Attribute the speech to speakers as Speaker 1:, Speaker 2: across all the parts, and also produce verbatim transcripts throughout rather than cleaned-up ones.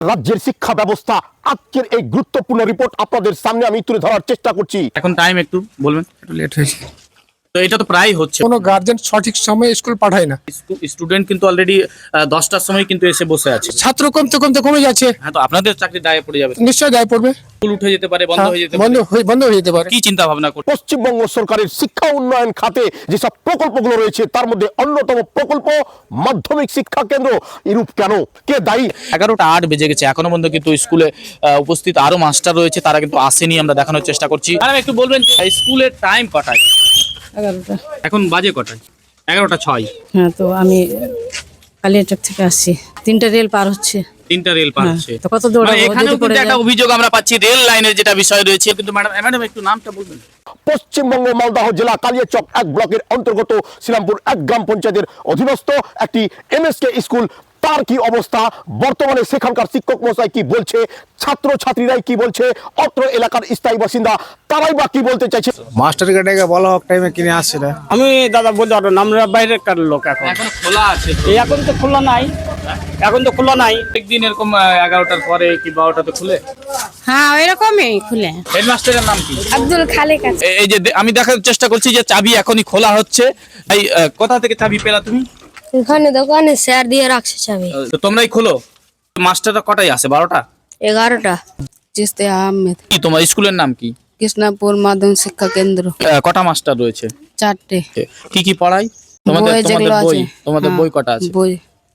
Speaker 1: রাজ্যের শিক্ষা ব্যবস্থা আজকের এই গুরুত্বপূর্ণ রিপোর্ট আপনাদের সামনে আমি তুলে ধরার চেষ্টা করছি।
Speaker 2: এখন টাইম একটু বলবেন, একটু লেট হয়েছে তো এটা তো প্রায় হচ্ছে।
Speaker 3: কোনো গার্জেন সঠিক সময়ে স্কুল পাঠায় না।
Speaker 2: স্টুডেন্ট কিন্তু অলরেডি দশটার সময় কিন্তু এসে বসে আছে।
Speaker 3: ছাত্র কমতে কমতে কমে যাচ্ছে।
Speaker 2: হ্যাঁ, তো আপনাদের চাকরি দায়ে পড়ে যাবে,
Speaker 3: নিশ্চয়ই দায় পড়বে।
Speaker 2: স্কুল উঠে যেতে পারে, বন্ধ
Speaker 3: হ্যাঁ,
Speaker 2: হয়ে যেতে
Speaker 3: বন্ধ
Speaker 2: পারে।
Speaker 3: হয়ে- বন্ধ হয়ে যেতে পারে।
Speaker 2: কি চিন্তা ভাবনা করছে?
Speaker 1: পশ্চিমবঙ্গ সরকারের শিক্ষা উন্নয়ন খাতে যেসব প্রকল্পগুলো রয়েছে তার মধ্যে অন্যতম প্রকল্প মাধ্যমিক শিক্ষা কেন্দ্র। এরূপ কেন, কে দায়ী?
Speaker 2: এগারোটা আট বেজে গেছে, এখনো পর্যন্ত কিন্তু স্কুলে আহ, উপস্থিত আরো মাস্টার রয়েছে, তারা কিন্তু আসেনি। আমরা দেখানোর চেষ্টা করছি। ম্যাডাম একটু বলবেন স্কুলের টাইম কটায়?
Speaker 4: এগারোটা।
Speaker 2: এখন বাজে কটায়? এগারোটা ছয়।
Speaker 4: হ্যাঁ, তো আমি কালিয়াচক থেকে আসছি, তিনটা রেল পার হচ্ছে।
Speaker 2: তিনটা রেল পার
Speaker 4: হ্যাঁ,
Speaker 2: হচ্ছে।
Speaker 4: তো কত দৌড়াবো,
Speaker 2: মানে এখানেও
Speaker 4: যদি পড়ে
Speaker 2: কিন্তু একটা
Speaker 4: যায়।
Speaker 2: অভিযোগ আমরা পাচ্ছি রেল লাইনের যেটা বিষয় রয়েছে, কিন্তু ম্যাডাম ম্যাডাম একটু নামটা বলবেন।
Speaker 1: পশ্চিমবঙ্গ মালদহ জেলা কালিয়াচক এক ব্লকের অন্তর্গত শ্রীরামপুর এক গ্রাম পঞ্চায়েতের অধীনস্থ একটি এমএসকে স্কুল। তার কি অবস্থা বর্তমানে, সেখানকার শিক্ষক মশাই কি বলছে, ছাত্র ছাত্রীরাই কি বলছে, অত্র এলাকার স্থায়ী বাসিন্দা তারাই বা কি বলতে চাইছে?
Speaker 5: মাস্টার ডেকে বলা হোক টাইমে কিনে আসছে না।
Speaker 6: আমি দাদা বলতে পারবো না, আমরা বাইরেকার লোক। এখন
Speaker 2: এখন খোলা আছে তো?
Speaker 6: এই এখন তো খোলা নাই, এখন তো খোলা নাই।
Speaker 2: একদিন এরকম আহ, এগারোটার পরে কি বারোটাতে খুলে?
Speaker 7: হ্যাঁ ওইরকমই খুলে।
Speaker 2: হেডমাস্টারের নাম কি?
Speaker 7: আব্দুল খালেক আছে।
Speaker 2: এ- এই যে দে- আমি দেখার চেষ্টা করছি যে চাবি এখনই খোলা হচ্ছে। এই আহ, কোথা থেকে চাবি পেলা তুমি?
Speaker 7: এখানে দোকানে স্যার দিয়ে রাখছে চাবি।
Speaker 2: আহ, তো তোমরাই খোলো। মাস্টাররা কটায় আসে? বারোটা?
Speaker 7: এগারোটা। জিস্তে আহমেদ,
Speaker 2: কি তোমার স্কুলের নাম কি?
Speaker 7: কৃষ্ণাপুর মাধ্যমিক শিক্ষা কেন্দ্র।
Speaker 2: আহ, কটা মাস্টার রয়েছে?
Speaker 7: চারটে।
Speaker 2: কি কি পড়াই তোমাদের?
Speaker 7: বই
Speaker 2: তোমাদের
Speaker 7: যেগুলো
Speaker 2: বই
Speaker 7: আছে,
Speaker 2: তোমাদের
Speaker 7: হ্যাঁ,
Speaker 2: বই কটা আছে?
Speaker 7: বই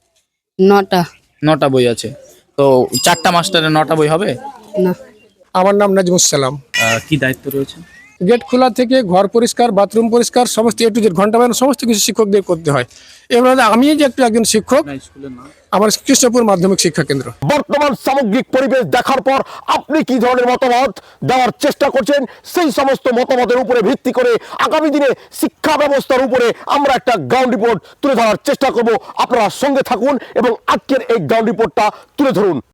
Speaker 7: নটা।
Speaker 2: নটা বই আছে। তো চারটা মাস্টারের নটা বই হবে?
Speaker 7: না,
Speaker 3: আমার নাম নাজমুস সালাম।
Speaker 2: আহ, কি দায়িত্ব রয়েছে?
Speaker 3: গেট খোলা থেকে ঘর পরিষ্কার, বাথরুম পরিষ্কার, সমস্ত এ টু জেড ঘন্টা বাজানো সমস্ত কিছু শিক্ষকদের করতে হয়। এবার আমি যে একটু একজন শিক্ষক,
Speaker 2: না, স্কুলের নাম
Speaker 3: আমার কৃষ্ণপুর মাধ্যমিক শিক্ষা কেন্দ্র।
Speaker 1: বর্তমান সামগ্রিক পরিবেশ দেখার পর আপনি কি ধরনের মতামত দেওয়ার চেষ্টা করছেন, সেই সমস্ত মতামতের উপরে ভিত্তি করে আগামী দিনে শিক্ষা ব্যবস্থার উপরে আমরা একটা গ্রাউন্ড রিপোর্ট তুলে ধরার চেষ্টা করব। আপনারা সঙ্গে থাকুন এবং আজকের এই গ্রাউন্ড রিপোর্টটা তুলে ধরুন।